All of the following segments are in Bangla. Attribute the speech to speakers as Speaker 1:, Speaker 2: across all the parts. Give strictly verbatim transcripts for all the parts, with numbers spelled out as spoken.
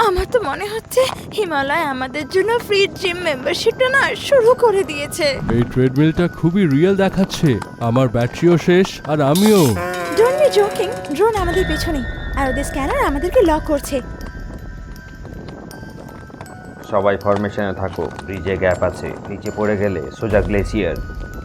Speaker 1: আমার তো মনে হচ্ছে হিমালয় আমাদের জন্য ফ্রি জিম মেম্বারশিপটা না শুরু করে দিয়েছে।
Speaker 2: এই ট্রেডমিলটা খুবই রিয়েল দেখাচ্ছে। আমার ব্যাটারিও শেষ আর আমিও।
Speaker 1: Don't be joking. ড্রোন আমাদের পেছনে আর ওদের স্ক্যানার আমাদেরকে লক করছে।
Speaker 3: সবাই ফরমেশনে থাকো, ব্রিজে গ্যাপ আছে, নিচে পড়ে গেলে সোজা গ্লেসিয়ার।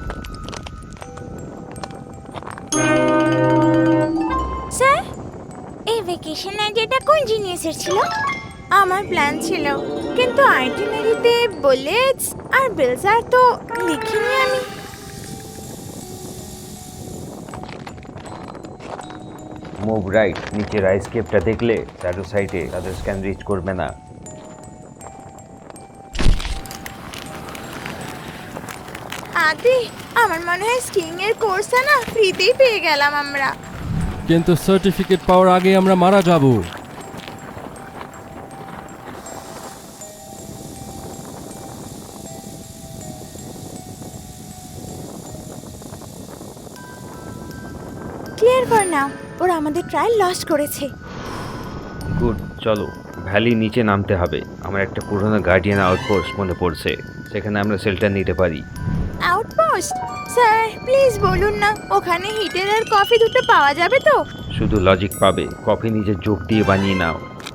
Speaker 1: স্যার, এই ভ্যাকেশন আইডিয়াটা কোন জিনিসের ছিল? আমার প্ল্যান ছিল, কিন্তু আইটিনারিতে বুলেটস আর বেলজার তো লিখিনি আমি।
Speaker 3: মুভ রাইট, নিচের আইসকেপটা দেখলে শ্যাডো সাইটে তাদের স্ক্যান রিচ করবে না।
Speaker 1: আদি, আমার মনে হয় স্কিইং এর কোর্সটা না ফ্রিতেই পেয়ে গেলাম আমরা।
Speaker 2: কিন্তু সার্টিফিকেট পাওয়ার আগে আমরা মারা যাব।
Speaker 1: ক্লিয়ার কর নাও, ওরা আমাদের ট্রায়াল লস্ট করেছে।
Speaker 3: গুড, চলো ভ্যালি নিচে নামতে হবে। আমার একটা পুরোনো গার্ডিয়ান আউটপোস্ট মনে পড়ছে, সেখানে আমরা শেল্টার নিতে পারি।
Speaker 1: আউটপোস্ট? স্যার প্লিজ বলুন না, ওখানে হিটার আর কফি দুটো পাওয়া যাবে তো?
Speaker 3: শুধু লজিক পাবে, কফি নিজের যোগ দিয়ে বানিয়ে নাও।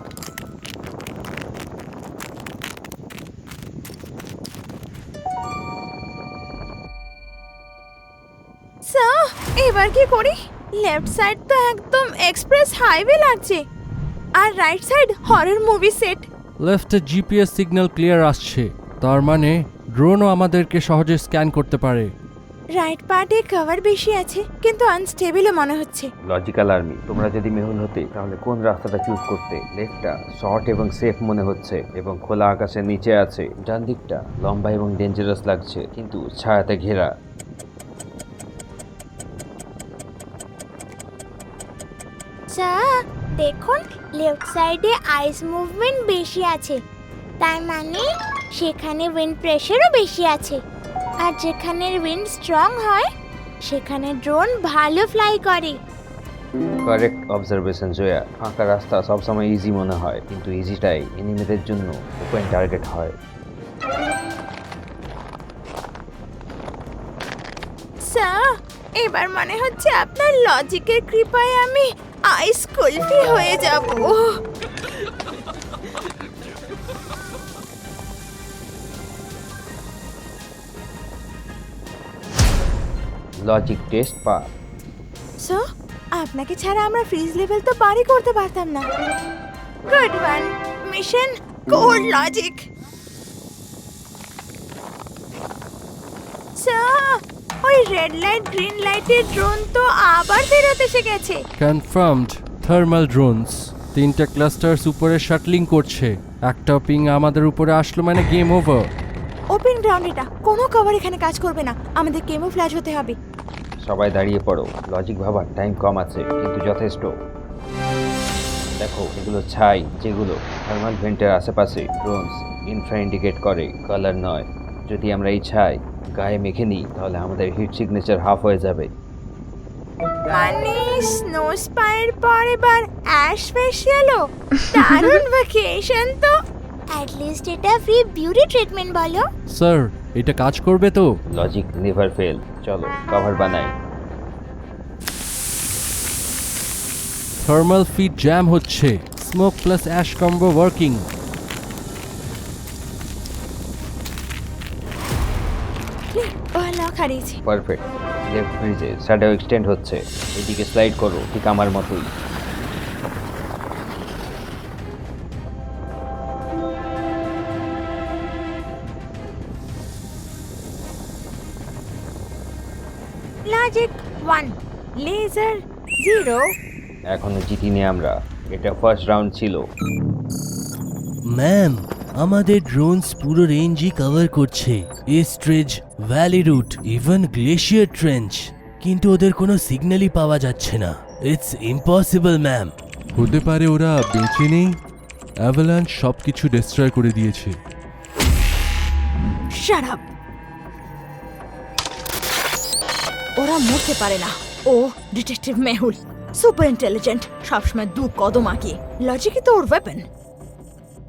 Speaker 1: স্যার এবার কি করি? লেফট সাইড তো একদম এক্সপ্রেস হাইওয়ে লাগছে, আর right side horror movie set.
Speaker 2: লেফটে জিপিএস সিগন্যাল ক্লিয়ার আসছে, তার মানে ড্রোনও আমাদেরকে সহজে স্ক্যান করতে পারে।
Speaker 1: রাইট পার্টে কভার বেশি আছে, কিন্তু আনস্টেবলও মনে হচ্ছে।
Speaker 3: লজিক্যাল আর্মি, তোমরা যদি মেহুল হতে তাহলে কোন রাস্তাটা চুজ করতে? লেফটটা শর্ট এবং সেফ মনে হচ্ছে এবং খোলা আকাশের নিচে আছে। ডান দিকটা লম্বা এবং ডেঞ্জারাস লাগছে, কিন্তু ছায়াতে ঘেরা।
Speaker 1: স্যার দেখুন, লেফট সাইডে আইস মুভমেন্ট বেশি আছে, তার মানে সেখানে উইন্ড প্রেশারও বেশি আছে। আর যেখানে উইন্ড স্ট্রং হয় সেখানে ড্রোন ভালো ফ্লাই করে।
Speaker 3: Correct observation Jaya. ফাঁকা রাস্তা সবসময় ইজি মনে হয়, কিন্তু ইজিটাই এনিমিদের জন্য ওপেন টার্গেট হয়।
Speaker 1: স্যার এবার মনে হচ্ছে আপনার লজিকের কৃপায় আমি আইস কুলফি হয়ে যাব।
Speaker 3: লজিক টেস্ট পা।
Speaker 1: সো আপনাকে ছাড়া আমরা ফ্রিজ লেভেল তো পারই করতে পারতাম না। Good one, mission code logic. Sir ওই রেড লাইট গ্রিন লাইটের ড্রোন তো আবার ফেরত এসে গেছে।
Speaker 2: Confirmed, thermal drones. তিনটা ক্লাস্টার্স উপরে শাটলিং করছে। একটা পিং আমাদের উপরে আসলো মানে গেম ওভার।
Speaker 1: ওপেন গ্রাউন্ড এটা, কোনো কভার এখানে কাজ করবে না, আমাদের কেমোফ্ল্যাজ হতে হবে।
Speaker 3: সবাই দাঁড়িয়ে পড়ো। লজিক ভাবার টাইম কম আছে, কিন্তু যথেষ্ট। দেখো এগুলো ছাই, যেগুলো থার্মাল ভেন্টের আশেপাশে ড্রোনস ইনফ্রা ইন্ডিকেট করে, কালার নয়। যদি আমরা এই ছাই গায়ে মেখে নিই তাহলে আমাদের হিট সিগনেচার হাফ হয়ে যাবে।
Speaker 1: মানে স্নো স্পাইর পর এবার অ্যাশ ফেশিয়ালও? দারুণ ভ্যাকেশন তো। অ্যাট লিস্ট এটা ফ্রি বিউটি ট্রিটমেন্ট বলো।
Speaker 2: স্যার এটা কাজ করবে তো?
Speaker 3: Logic never fail. চলো কভার বানাই।
Speaker 2: থার্মাল ফিড জ্যাম হচ্ছে, smoke plus ash combo working.
Speaker 1: ও লক হারিয়েছে।
Speaker 3: পারফেক্ট। লেফট ব্রিজে শ্যাডো এক্সটেন্ড হচ্ছে, এদিকে স্লাইড করো ঠিক আমার মতোই।
Speaker 1: Logic one, laser zero.
Speaker 3: এখনো জিতিনি আমরা, এটা ফার্স্ট রাউন্ড ছিল।
Speaker 4: ম্যাম, আমাদের ড্রোনস পুরো রেঞ্জই কভার করছে, এস্ট্রেজ, valley route, even glacier trench, কিন্তু ওদের কোনো সিগন্যালই পাওয়া যাচ্ছে না। It's impossible ma'am.
Speaker 2: হতে পারে ওরা বেঁচে নেই, অ্যাভালাঞ্চ সব কিছু ডিস্ট্রয় করে দিয়েছে।
Speaker 1: Shut up. ওরা মরতে পারে না। ও ডিটেকটিভ মেহুল, সুপার ইন্টেলিজেন্ট, সবসময় দু কদম আগে। লজিকই তো ওর ওয়েপন।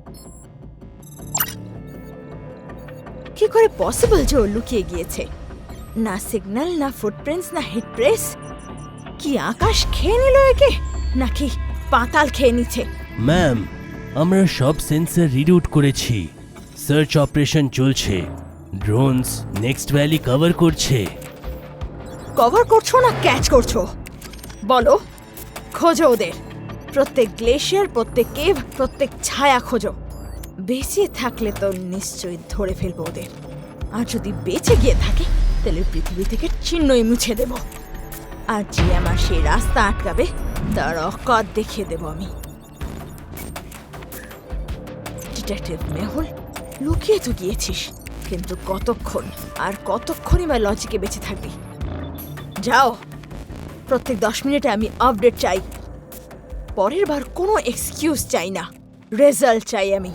Speaker 5: কি করে পসিবল যে ও লুকিয়ে গিয়েছে? না সিগন্যাল, না ফুটপ্রিন্টস, না হিট প্রেস। কি আকাশ খেয়ে নিল একে, নাকি পাতাল খেয়ে নিচ্ছে?
Speaker 4: ম্যাম, আমরা সব সেন্সর রিরুট করেছি। সার্চ অপারেশন চলছে। ড্রোনস নেক্সট ভ্যালি কভার করছে।
Speaker 5: কভার করছো না ক্যাচ করছো? বলো, খোঁজো ওদের। প্রত্যেক গ্লেশিয়ার, প্রত্যেক কেভ, প্রত্যেক ছায়া খোঁজো। বেঁচে থাকলে তো নিশ্চয়ই ধরে ফেলবো ওদের, আর যদি বেঁচে গিয়ে থাকে তাহলে পৃথিবী থেকে চিহ্নই মুছে দেব। আর যে আমার সেই রাস্তা আটকাবে তার অকাত দেখিয়ে দেব আমি। ডিটেকটিভ মেহুল, লুকিয়ে তো গিয়েছিস, কিন্তু কতক্ষণ আর কতক্ষণই বা লজিকে বেঁচে থাকবি? যাও, প্রত্যেক দশ মিনিটে আমি আপডেট চাই। পরের বার কোনো এক্সকিউজ চাই না, রেজাল্ট চাই আমি।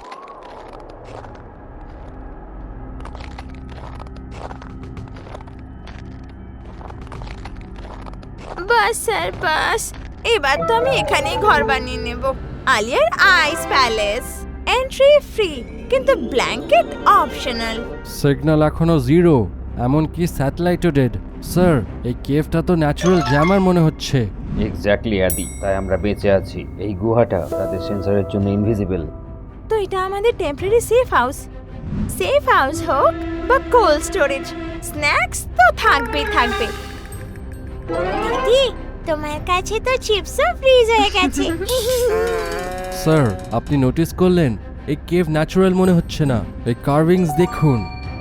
Speaker 1: বাস স্যার বাস, এবার তো আমি এখানেই ঘর বানিয়ে নেব। আলিয়ার আইস প্যালেস, এন্ট্রি ফ্রি, কিন্তু ব্ল্যাঙ্কেট অপশনাল।
Speaker 2: সিগন্যাল এখনো জিরো, এমনকি স্যাটেলাইটও ডেড। স্যার, এই কেভটা তো ন্যাচারাল জ্যামার মনে হচ্ছে।
Speaker 3: এক্স্যাক্টলি আদি, তাই আমরা বেঁচে আছি। এই গুহাটা তাদের সেন্সরের জন্য ইনভিজিবল।
Speaker 1: তো এটা আমাদের temporary safe house. Safe house হোক বা কোল্ড স্টোরেজ, স্ন্যাক্স তো থাকবেই থাকবে। দিদি, তোমার কাছে তো চিপসও ফ্রিজ হয়ে গেছে।
Speaker 2: স্যার, আপনি নোটিস করলেন এই কেভ ন্যাচারাল মনে হচ্ছে না। এই কার্ভিংস দেখুন।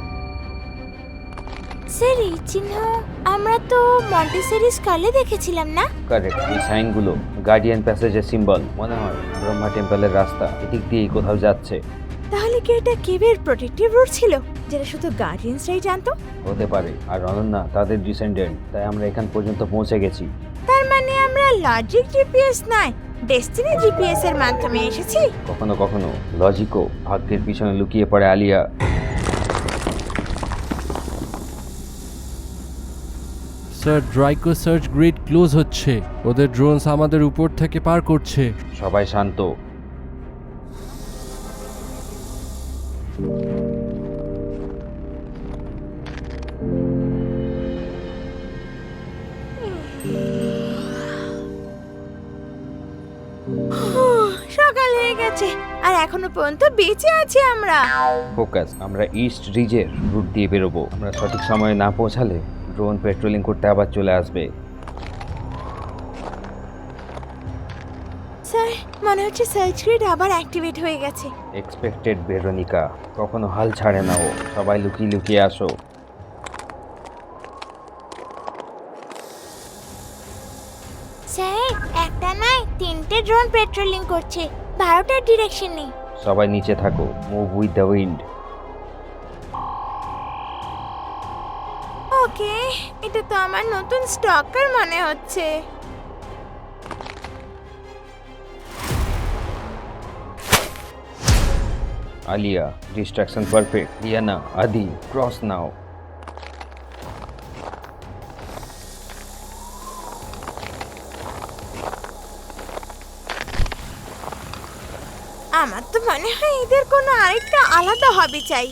Speaker 1: স্যার, এই চিহ্ন আমরা তো মন্টেসরি স্কলে দেখেছিলাম না?
Speaker 3: কারেক্ট, এই সাইনগুলো গার্ডিয়ান প্যাসেজের সিম্বল। মনে হয় ব্রহ্মা টেম্পলের রাস্তা এদিক দিয়েই কোথাও যাচ্ছে।
Speaker 5: তাহলে কি এটা কেভের প্রোটেক্টিভ রুট ছিল, যেটা শুধু গার্ডিয়ানসরাই জানতো?
Speaker 3: হতে পারে। আর অনন্যা তাদের ডিসেন্ডেন্ট, তাই আমরা এখান পর্যন্ত পৌঁছে গেছি।
Speaker 1: তার মানে আমরা লজিক জিপিএস নয়, ডেস্টিনি জিপিএস এর মাধ্যমে এসেছি।
Speaker 3: কখনো কখনো লজিকও ভাগ্যের পিছনে লুকিয়ে পড়ে। আলিয়া,
Speaker 2: স্যার, ড্রাইকো সার্চ গ্রিড ক্লোজ হচ্ছে। ওদের ড্রোনস আমাদের উপর থেকে পার করছে।
Speaker 3: সবাই শান্ত।
Speaker 1: সকাল হয়ে গেছে আর এখনো পর্যন্ত বেঁচে আছি আমরা।
Speaker 3: ফোকাস, আমরা ইস্ট রিজের রুট দিয়ে বেরোবো। আমরা সঠিক সময়ে না পৌঁছালে ড্রোন পেট্রোলিং করতে আবার চলে আসবে।
Speaker 1: স্যার, মনে হচ্ছে সার্চ গ্রিড আবার অ্যাক্টিভেট হয়ে গেছে।
Speaker 3: এক্সপেক্টেড ভেরোনিকা, কখনো হাল ছাড়ে না ও। সবাই লুকিয়ে লুকিয়ে আসো।
Speaker 1: স্যার, একটা নয় তিনটে ড্রোন পেট্রোলিং করছে, বারোটার ডিরেকশনে।
Speaker 3: সবাই নিচে থাকো। Move with the wind.
Speaker 1: Okay, এটা তো আমার নতুন স্টকার মনে হচ্ছে।
Speaker 3: Aliya, distraction perfect. Riyana, Adi, cross now.
Speaker 1: আমার তো মনে হয় এদের কোনো আরেকটা আলাদা হবি চাই।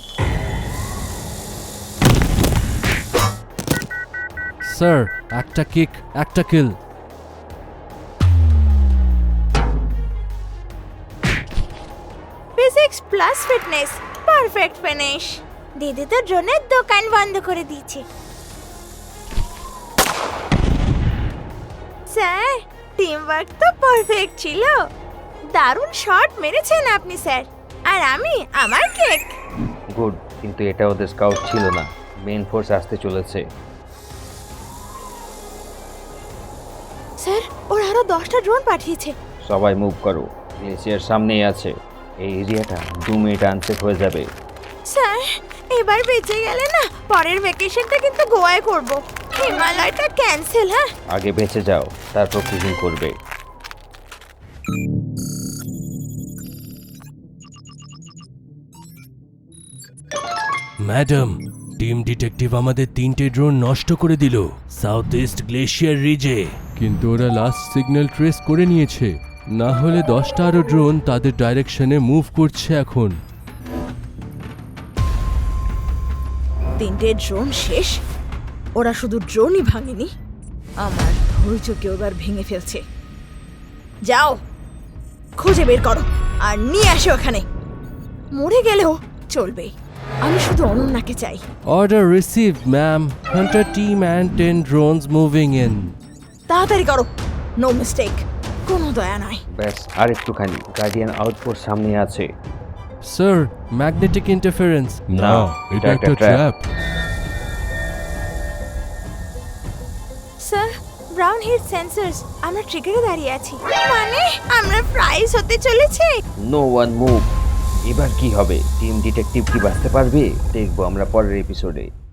Speaker 2: স্যার, একটা কিক, একটা kill.
Speaker 1: Physics plus fitness, perfect finish. দিদি তো ড্রোনের দোকান বন্ধ করে দিয়েছে। স্যার, টিম ওয়ার্ক তো পারফেক্ট ছিল। দারুণ শট মেরেছেন আপনি স্যার, আর আমি আমার কেক।
Speaker 3: গুড, কিন্তু এটা ওদের স্কাউট ছিল না। মেইন ফোর্স আসতে চলেছে।
Speaker 5: স্যার, ওরা আরো দশটা ড্রোন পাঠিয়েছে।
Speaker 3: সবাই মুভ করো। গ্লেসিয়ার সামনেই আছে। এই এরিয়াটা দু মিনিট আনসেফ হয়ে যাবে।
Speaker 1: স্যার, এবার বেঁচে গেলে না পরের ভ্যাকেশনটা কিন্তু গোয়ায় করব। হিমালয়টা ক্যান্সেল। হ্যাঁ,
Speaker 3: আগে বেঁচে যাও, তারপর কুকিং করবে।
Speaker 4: ম্যাডাম, টিম ডিটেকটিভ আমাদের তিনটে ড্রোন নষ্ট করে দিল সাউথ ইস্ট গ্লেশিয়ার রিজে।
Speaker 2: কিন্তু ওরা লাস্ট সিগন্যাল ট্রেস করে নিয়েছে, না হলে দশটা আরো ড্রোন তাদের ডাইরেকশনে মুভ করছে এখন।
Speaker 5: তিনটে ড্রোন শেষ। ওরা শুধু ড্রোনই ভাঙেনি, আমার ধৈর্যকেও এবার ভেঙে ফেলছে। যাও, খুঁজে বের করো আর নিয়ে আসো এখানে। মরে গেলেও চলবে, আমি শুধু অনন্যাকে চাই।
Speaker 2: Order received, ma'am. Hunter team and ten drones moving in.
Speaker 5: তাড়াতাড়ি করো, নো মিস্টেক, কোনো দয়া নয়।
Speaker 3: ব্যাস আর একটুখানি, গার্ডিয়ান আউটপোস্ট সামনে আছে।
Speaker 2: Sir, magnetic interference.
Speaker 3: না, এটা একটা trap.
Speaker 1: Sir, brown head sensors, আমরা ট্রিগারে দাঁড়িয়ে আছি। মানে আমরা প্রাইজ হতে চলেছে।
Speaker 3: No one move. এবার কি হবে? টিম ডিটেকটিভ কি বাঁচতে পারবে? দেখবো আমরা পরের এপিসোডে।